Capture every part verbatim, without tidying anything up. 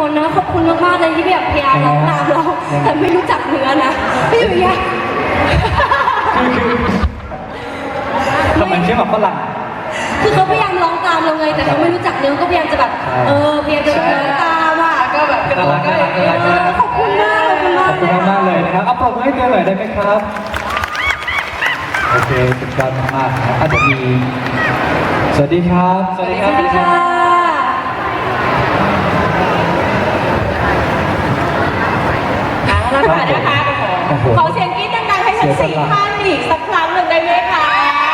คนนะขอบคุณมากๆเลยที่แบบพยายามร้องตามเราแต่ไม่รู้จักเนื้อนะพี่อยู่ยังทำไมเชื่อแบบฝรั่งคือเขาพยายามร้องตามเราไงแต่เขาไม่รู้จักเนื้อก็พยายามจะแบบเออพยายามจะร้องตามอ่ะก็แบบกระโดดก็ขอบคุณมากขอบคุณมากขอบคุณมากเลยนะครับเอาปรบมือให้เธอหน่อยได้ไหมครับโอเคสุดยอดมากๆนะครับอาจจะมีสวัสดีครับสวัสดีค่ะแล้วค่ะนะคะขอเสียงกรี๊ดดังๆให้ทั้งสี่ท่านอีกสักครั้งหนึ่งได้ไหมคะ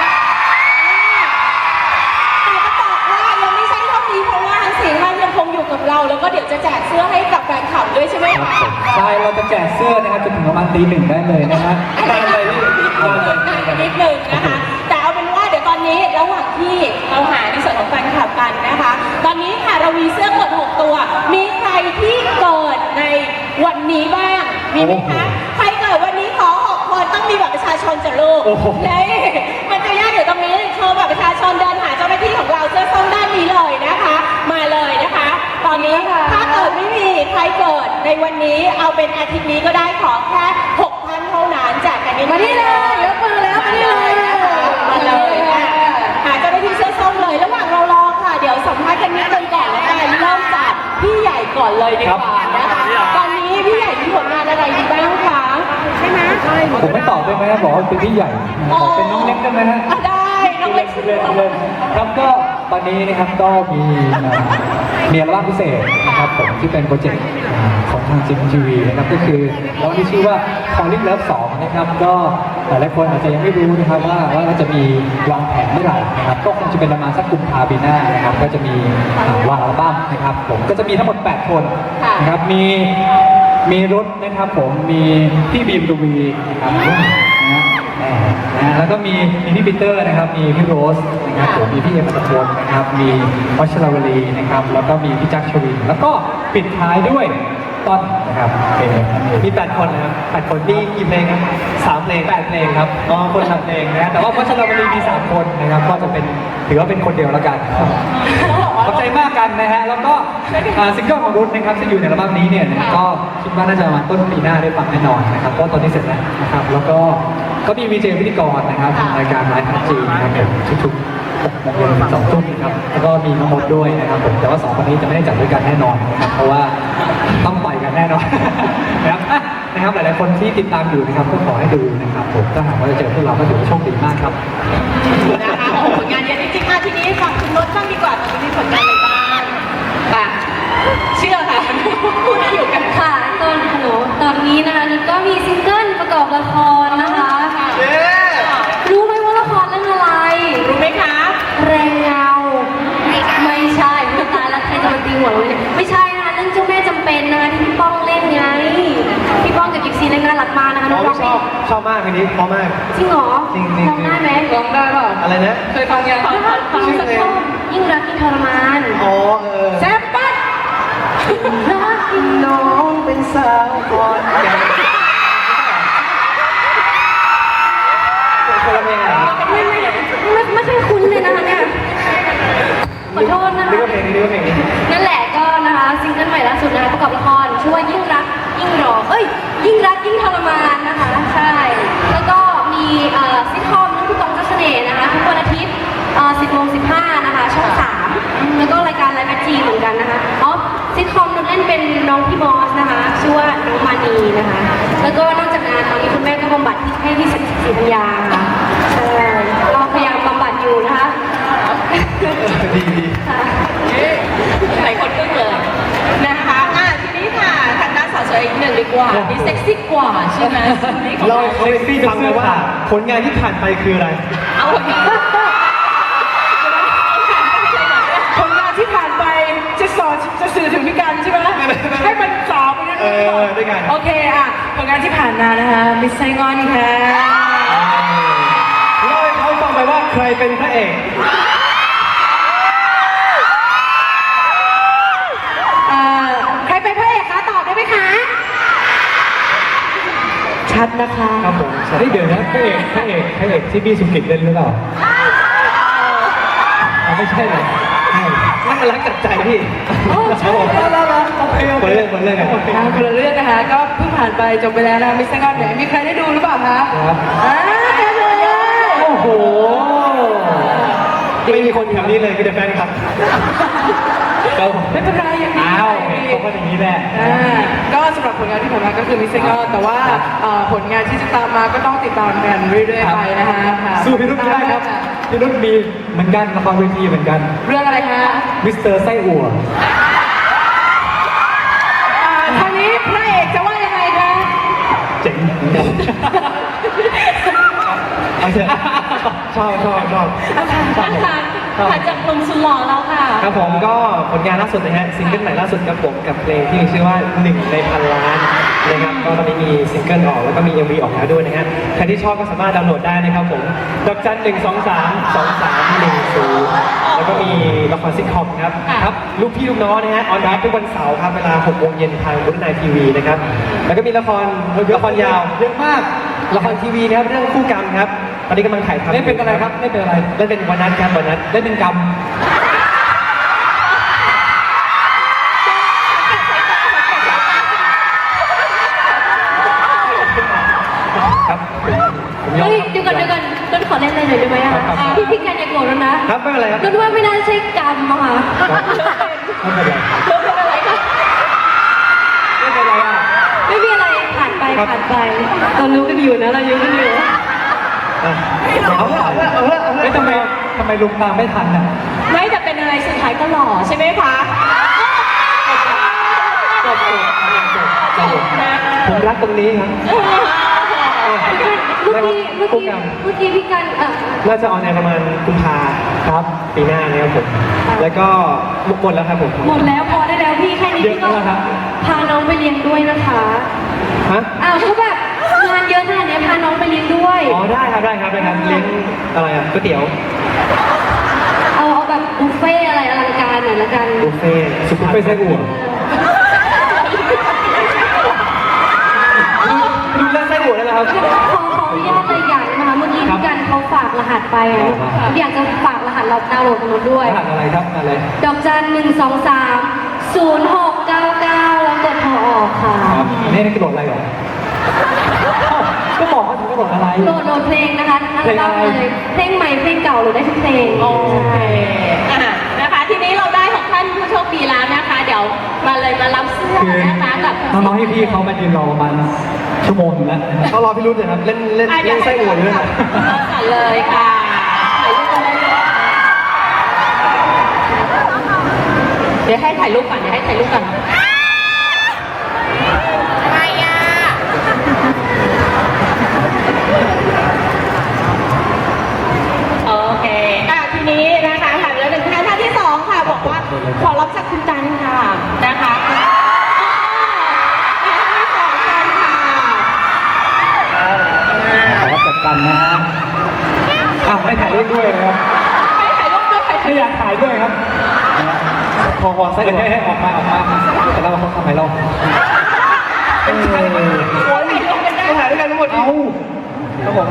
แต่ก็บอกว่ายังไม่ใช่เท่านี้เพราะว่าทั้งสี่ท่านยังคงอยู่กับเราแล้วก็เดี๋ยวจะแจกเสื้อให้กับแฟนคลับด้วยใช่ไหมคะใช่เราจะแจกเสื้อนะครับจนถึงประมาณตีหนึ่งได้เลยนะฮะได้เลยนิดหนึ่งนะคะแต่เอาเป็นว่าเดี๋ยวตอนนี้ระหว่างที่เราหาในส่วนของแฟนคลับกันนะคะตอนนี้ค่ะเรามีเสื้อกดหกตัวมีใครที่เกิดในวันนี้บ้างมีไหมคะใครเกิดวันนี้ขอหกคนต้องมีบัตรประชาชนจะลูกนี่มันจะยากอยู่ตรงนี้โชว์บัตรประชาชนเดินหาเจ้าหน้าที่ของเราเสื้อส้มด้านนี้เลยนะคะมาเลยนะคะตอนนี้ถ้าเกิดไม่มีใครเกิดในวันนี้เอาเป็นอาทิตย์นี้ก็ได้ขอแค่หกท่านเท่านั้นแจกกันนี้มาที่เลยยกมือแล้วมาที่เลยมาเลยหาเจ้าหน้าที่เสื้อส้มเลยระหว่างเรารอค่ะเดี๋ยวสัมภาษณ์กันนิดนึงก่อนแล้วกันเริ่มจากพี่ใหญ่ก่อนเลยดีกว่านะคะตอนนี้พี่ใหญ่มีผลงานอะไรอยู่บ้างคะใช่ไหมผมไม่ตอบได้ไหมบอกว่าเป็นพี่ใหญ่บอกเป็นน้องเล็กได้ไหมฮะได้น้องเล็กเล่นเล่นครับก็ตอนนี้นะครับก็มีมีอัลบั้มพิเศษนะครับผมที่เป็นโปรเจกต์ของทางจิมทีวีนะครับก็คืออัลบั้มที่ชื่อว่า Calling Love สองนะครับก็หลายคนอาจจะยังไม่รู้นะครับว่าว่าเราจะมีวางแผนเมื่อไหร่นะครับก็คงจะเป็นประมาณสักกุมภาพันธ์ปีหน้านะครับก็จะมีวางอัลบั้มนะครับผมก็จะมีทั้งหมดแปดคนนะครับมีมีรุดนะครับผมมีพี่บีมดูวีนะครับนะแล้วก็มีมีพี่ปีเตอร์นะครับมีพี่โรสนะครับผมมีพี่เอ็มอัตพลนะครับมีวัชรวลีนะครับแล้วก็มีพี่จักรชวินแล้วก็ปิดท้ายด้วยต้นนะครับเป็นมีแปดคนนะครับแปดคนที่กี่เพลงครับสามเพลงแปดเพลงครับอ๋อคนละเพลงนะแต่ว่าวัชรวลีมีสามคนนะครับก็จะเป็นถือว่าเป็นคนเดียวแล้วกันครับขอบใจมากกันนะฮะแล้วก็ซิงเกิลของรุ่นนะครับที่อยู่ในอัลบั้มนี้เนี่ยก็คิดว่าน่าจะมาต้นปีหน้าได้ฟังแน่นอนนะครับก็ตอนนี้เสร็จแล้วนะครับแล้วก็ก็มีวีเจพิธีกรนะครับรายการไลฟ์พัฒจีนะครับผมทุกๆหกโมงเย็นสองทุ่มครับแล้วก็มีน้องมดด้วยนะครับผมแต่ว่าสองคนนี้จะไม่ได้จัดด้วยกันแน่นอนนะครับเพราะว่าต้องปล่อยกันแน่นอนนะครับนะครับหลายๆคนที่ติดตามอยู่นะครับก็ขอให้ดูนะครับผมถ้าหากว่าจะเจอพวกเราก็ถือว่าโชคดีมากครับนะคะผลงานเยอะจริงๆทีนี้ฝั่งคุณมดบ้างดีกว่าตอนนี้มีผลงานอะไรบ้างค่ะเชื่อค่ะพูดอยู่กันค่ะตอนฮัลโหลตอนนี้นะคะนี่ก็มีซิงเกิลประกอบละครนะคะรู้ไหมว่าละครเรื่องอะไรรู้ไหมคะแรงเงาไม่ใช่ไม่ตายแล้วใครจะมาตีหัวเราเนี่ยไม่ใช่นะคะเรื่องเจ้าแม่จำเป็นนะคะที่พี่ป้องเล่นไงพี่ป้องกับกิฟซีเล่นน่ารักมากนะคะน้องชอบชอบมากเพลงนี้เพราะมากจริงเหรอร้องได้ไหมร้องได้ป่ะอะไรนะเคยฟังยังฟังฟังสักท่อนยิ่งรักยิ่งทรมานอ๋อเออแซ่บปั๊ดรักน้องเป็นสาวก่อนคนละเพลงเหรอไม่ไม่ไม่ไม่เคยคุ้นเลยนะคะเนี่ยขอโทษนะคะนี่ก็เพลงนี้นี่ก็เพลงนี้นั่นแหละก็นะคะซิงเกิลใหม่ล่าสุดนะคะประกอบละครชื่อว่ายิ่งรักยิ่งรอเอ้ยยิ่งรักยิ่งทรมานนะคะใช่แล้วก็มีซิทคอมเรื่องผู้กองเจ้าเสน่ห์นะคะทุกวันอาทิตย์สิบโมงสิบห้านะคะช่องสามแล้วก็รายการไลฟ์แมทจีเหมือนกันนะคะอ๋อซิทคอมนุชเล่นเป็นน้องพี่บอสนะคะชื่อว่าน้องมานีนะคะแล้วก็นอกจากนั้นตอนนี้คุณแม่ก็บำบัดให้ที่สิริธัญญาใช่เราพยายามบำบัดอยู่นะคะดีดีหลายคนก็เลยนะคะอ่ะทีนี้ค่ะทางด้านสาวสวยอีกหนึ่งดีกว่านี่เซ็กซี่กว่าใช่ไหมเราเซ็กซี่ฟังเลยว่าผลงานที่ผ่านไปคืออะไรเอาผลงานผลงานที่ผ่านไปจะสอนจะสื่อถึงพี่กันใช่ไหมให้มันสอบไปเออด้วยกันโอเคอ่ะผลงานที่ผ่านมานะคะมิสไซงอนค่ะเล่าให้เขาฟังไปว่าใครเป็นพระเอกใครเป็นพระเอกคะตอบได้ไหมคะชัดนะคะครับผมเดี๋ยวนะพระเอกพระเอกพระเอกที่พี่สุกิตเล่นหรือเปล่าไม่ใช่เลยใช่มันรักจัดใจพี่โอ้ใช่แล้วแล้วแล้วโอเคโอคนเคละเรื่องคนละเรื่องกันทางคนละเรื่องนะคะ ก็เพิ่งผ่านไปจบไปแล้วนะมิสเตอร์ก้อนเนี่ยมีใครได้ดูหรือเปล่าคะครับอ่าเต็มเลยโอ้โหไม่มีคนแถวนี้เลยคือแต่แฟนคลับก็ไม่เป็นไรอย่างนี้อ้าวเขาก็อย่างนี้แหละอ่าก็สำหรับผลงานที่ผ่านมาก็คือมิสเตอร์ก้อนแต่ว่าเอ่อผลงานที่จะตามมาก็ต้องติดตามกันเรื่อยๆไปนะคะค่ะสู้พี่นุ่นไม่ได้ครับพี่นุ่นมีเหมือนกันละครเวทีเหมือนกันเรื่องอะไรคะมิสเตอร์ไส้อั่วอ่าคราวนี้พระเอกจะว่ายังไงคะเจ๋งเหมือนกันเอาเถอะชอบชอบชอบผ่านผ่านจากกลุ่มสุดหล่อเราค่ะครับผมก็ผลงานล่าสุดนะฮะซิงเกิลใหม่ล่าสุดครับผมกับเพลงที่มีชื่อว่าหนึ่งในพันล้านนะครับก็ตอนนี้มีซิงเกิลออกแล้วก็มี เอ็ม วี ออกแล้วด้วยนะฮะใครที่ชอบก็สามารถดาวน์โหลดได้นะครับผมดอกจันหนึ่งสองสามสองสามหนึ่งศูนย์แล้วก็มีละครซิทคอมครับค่ะครับลูกพี่ลูกน้องนะฮะออนไลน์ทุกวันเสาร์ครับเวลาหกโมงเย็นทางบุญนายทีวีนะครับแล้วก็มีละครละครยาวเยอะมากละครทีวีนะครับเรื่องคู่กรรมครับตอนนี้กำลังถ่ายทำเล่นเป็นอะไรครับเล่นเป็นอะไรเล่นเป็นวันนัทครับวันนัทเล่นเป็นกรรมครับผมยอมเฮ้ยเดี๋ยวก่อนเดี๋ยวก่อนต้นขอเล่นอะไรหน่อยได้ไหมอะครับครับพี่พี่กันอย่าโกรธแล้วนะครับไม่เป็นไรครับต้นว่าไม่น่าใช่กรรมอะค่ะไม่เป็นไรเรื่องเป็นอะไรคะไม่เป็นไรอ่ะไม่มีอะไรผ่านไปครับผ่านไปเรารู้กันอยู่นะเรารู้กันอยู่อ่ะเอาเถอะเอาเถอะเอาเถอะเอาเถเฮ้ยอะทำไมทำไมลุงตามไม่ทันน่ะไม่แต่เป็นอะไรสุดท้ายก็หล่อใช่ไหมคะจบจบจบจบนะผมรักตรงนี้ครับเมื่อกี้เมื่อคู่กี้กรรมเมื่อกี้พี่กันเออน่าจะออนแอร์ประมาณกุมภาครับปีหน้านะครับผมแล้วก็มุกหมดแล้วครับผมหมดแล้วพอได้แล้วพี่แค่นี้เยอะพี่ก็แล้วครับพาน้องไปเลี้ยงด้วยนะคะฮะอ้าวก็แบบงานเยอะขนาดนี้พาน้องไปเลี้ยงด้วยอ๋อได้ครับได้ครับได้ครับเลี้ยงอะไรอ่ะก๋วยเตี๋ยวเอาเอาแบบบุฟเฟ่อะไรอลังการหน่อยละกันบุฟเฟ่ต์ซุปบุฟเฟ่ต์ไส้อั่วดูเรื่องไส้อั่วได้ไหมครับขอขออนุญาตเลยอย่างนะคะเมื่อกี้พี่กันเขาฝากรหัสไปอ่ะอยากจะฝากรหัสเราดาวน์โหลดกันมาด้วยรหัสอะไรครับอะไรดอกจันหนึ่งสองสามศูนย์หกเก้าเก้าแล้วกดโทรออกค่ะครับอันนี้นี่คือโหลดอะไรเหรออ้าวก็บอกว่าถึงก็โหลดอะไรโหลดโหลดเพลงนะคะทั้งอัลบั้มเลยเพลงใหม่เพลงเก่าโหลดได้ทุกเพลงโอเคอ่ะนะคะ ทีนี้เราได้ของท่านผู้โชคดีแล้วนะคะ เดี๋ยวมาเลยมารับเสื้อคือนะคะกับน้องๆพี่ๆเขามายืนรอประมาณชั่วโมงหนึงแล้วเขารอพี่รุ่นเลยครับเล่นเล่นอ่ะเล่นไส้อั่วอยู่ด้วยเริ่นะมกันเลยค่ะถ่ายรูปกันได้เลยเดี๋ยวให้ถ่ายรูปก่อนเดี๋ยวให้ถ่ายรูปก่อนอะไรอ่ะโอเคอ่ะทีนี้นะคะถามแล้วหนึ่งท่านท่านที่สองค่ะบอกว่าขอรับจากคุณกันค่ะนะคะอ่าท่านที่สองกันค่ะขอรับจัดกันนะฮะอ้าวไม่ถ่ายรูปด้วยนะครับไปถ่ายรูปด้วยไปถ่ายไม่รูอยากปถ่ายด้วยครับพอพอไส้อั่วให้ออกมาออกมาแต่เราเขาทำไมเราเออโอ้ยถ่ายรูปกันได้ถ่ายด้วยกันทั้งหมดเอาครับผม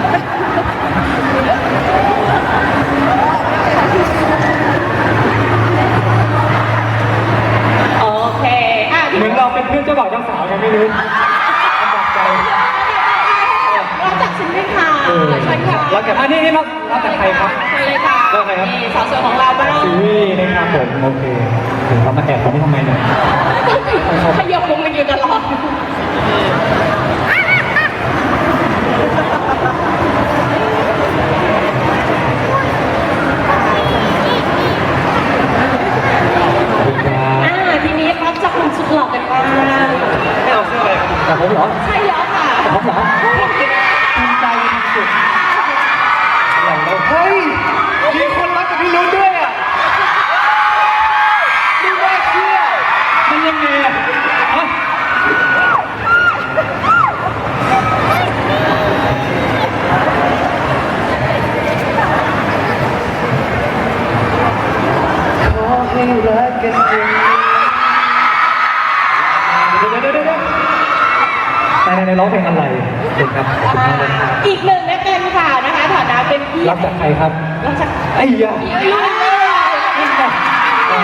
โอเคอ่ะเหมือนเราเป็นเพื่อนเจ้าบ่าวเจ้าสาวกันไม่รู้ลำบากใจเราจากชิ้นด้วยค่ะเออเชิญค่ะแล้วกันอันนี้นี่รับรับจากใครครับเชิญเลยค่ะแล้วใครครับนี่สาวสวยของเราบ้างซีรีส์นะครับผมโอเคถึงเขามาแอบตรงนี้ทำไมเนี่ยขยับลงมาอยู่ตลอดขอบคุณครับอ่าทีนี้รับจากหนุ่มสุดหล่อกันบ้างไม่เอาเสื้ออะไรครับแต่ผมเหรอใช่แล้วค่ะแต่ผมเหรอภูมิใจสุดอะไรแล้วเฮ้ยมีคนรักกับพี่รุ่นด้วยอ่ะไม่น่าเชื่อมันยังไงอะอ่ะขอให้รักกันจริงเดี๋ยวเดี๋ยวเดี๋ยวเดี๋ยวในในในร้องเพลงอะไรเด็กครับขอบคุณมากเลยครับอีกหนึ่งนะกันค่ะนะคะฐานะเป็นพี่รับจากใครครับรับจากไอ้ยาพี่อ้อยโอ้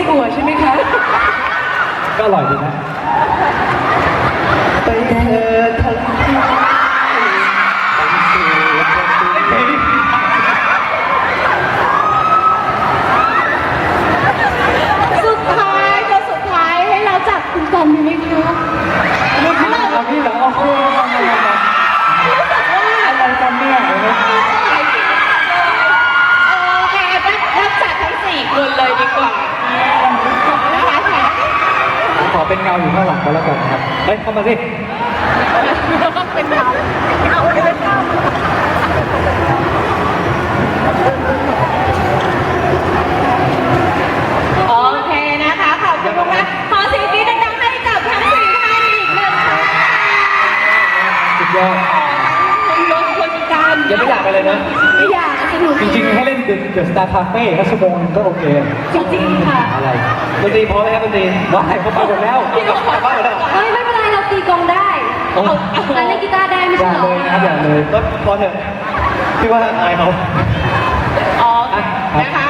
อั่วใช่ไหมคะก็อร่อยดีนะไปเธอทะเลสุดท้ายตัวสุดท้ายให้เราจับคุณกันดีไหมคะนี่คือเราพี่เหรอโอ้โหอะไรกันเนี่ยเออค่ะรับจัดทั้งสี่คนเลยดีกว่านะคะขอเป็นเงาอยู่ข้างหลังก็แล้วกันนะครับเฮ้ยเข้ามาสิเป็นเราเอาเป็นเราโอเคนะคะ ขอบคุณมากขอเสียงกรี๊ดดังๆให้กับทั้งสี่ท่านอีกหนึ่งครั้งสุดยอดคุณลงคุณกันยังไม่อยากไปเลยนะไม่อยากสนุกจริงๆให้เล่นเดอะสตาร์คาเฟ่ก็ชั่วโมงนึงก็โอเคจริงๆค่ะอะไรดนตรีพร้อมไหมครับดนตรีว่าให้เขาไปหมดแล้วพี่ก็ขอบ้างแล้วเฮ้ยไม่เป็นไรเราตีกลองได้โอ้เราเล่นกีตาร์ได้ไม่อใช่ย่าเหรเลอยนะครับอย่าเลยก็พอเถอะพี่ว่าอายเขาอ๋อนะคะ